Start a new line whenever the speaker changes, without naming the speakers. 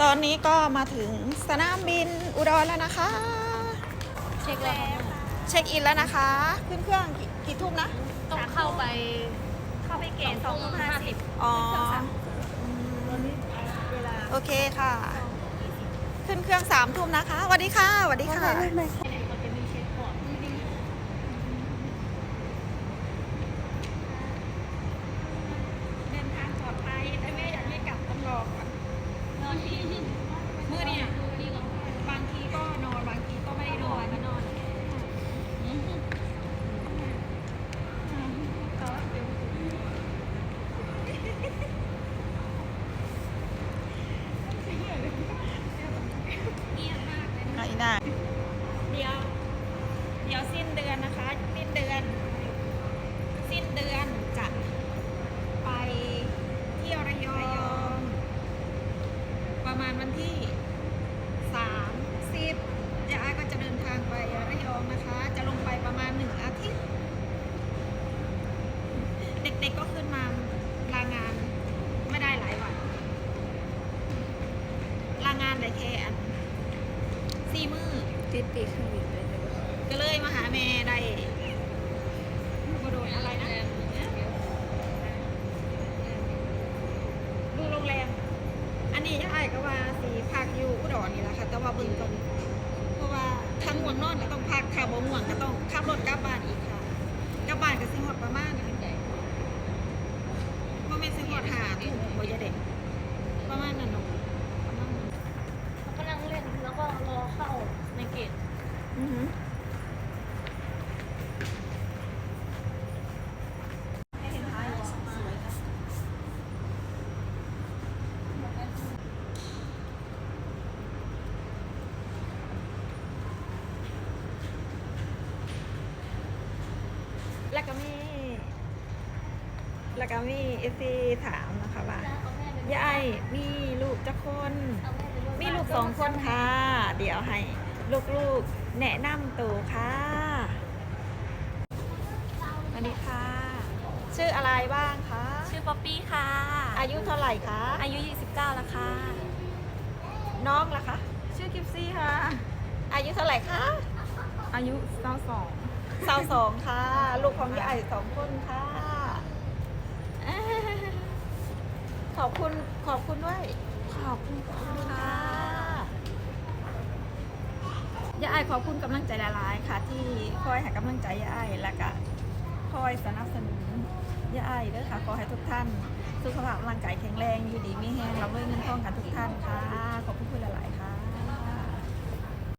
ตอนนี้ก็มาถึงสนามบินอุดรแล้วนะคะ
เช็คแล้ว
เช็คอินแล้วนะคะขึ้นเครื่องกี่ทุ่มนะ
ต้องเข้าไปเกณฑ์2:50
อ๋อ
ตอนนี้เวลา
โอเคค่ะ ขึ้นเครื่อง3 ทุ่มนะคะสวัสดีค่ะสวัสดีค่ะ
มันจะมีเช็คก่อนเดินทางปลอดภัยแต่แม่อยากให้กลับต้องรอก่อนนอนทีมื้อเนี่ยบางทีก็นอนบางทีก็ไม่ได้นอนมานอนเงียบมากเลย
ไอ้ได้
เดี๋ยวสิ้นเดือนนะคะสิ้นเดือนจะไปเที่ยวระยองประมาณวันที่30ยายก็จะเดินทางไประยองนะคะ จะลงไปประมาณ1 อาทิตย์ เด็กๆก็ขึ้นมาลางานไม่ได้หลายวันลางานได้แค่4 มื้อ
ติดปีกเครื่องบินเลย
ก็เลยมาหาแม่ได้บโดนอะไรนะดูโรงแรม อันนี้ยายก็ว่าสีพักอยู่อุดรนี่แหละค่ะ แต่ว่าเบิ่งก่อนเพราะว่าถ้าง่วงนอนก็ต้องพักถ้าบ่ง่วงก็ต้องขับรถกลับบ้านอีกค่ะกลับบ้านก็สิฮอดประมาณบ่แม่นสิฮอด5 ทุ่มบ่จะเด็กประมาณนั้นเนาะประมาณนั้น
เขากำลังเล่นแล้วก็รอเข้าในเกต
อือหือแล้วก็มีเอฟซีถามนะคะว่ายายมีลูกจักคน มีลูก2 คนค่ะ เดี๋ยวให้ลูกๆแนะนำตัวค่ะสวัสดีค่ะ ชื่ออะไรบ้างคะ
ชื่อป๊อปปี้ค่ะ
อายุเท่าไหร่คะ
อายุ 29 แล้วค่ะ
น้องล่ะคะ
ชื่อกิฟซี่ค่ะ
อายุเท่าไหร่คะ
อายุ
22ค่ะ ลูกของยาย2 คนค่ะ ขอบคุณด้วย ขอบคุณค่ะยายขอบคุณกำลังใจหลายๆค่ะ ที่คอยให้กำลังใจยายและก็คอยสนับสนุนยายเด้อค่ะขอให้ทุกท่านสุขภาพร่างกายแข็งแรงอยู่ดีมีแรงรับด้วยเงินทองกันทุก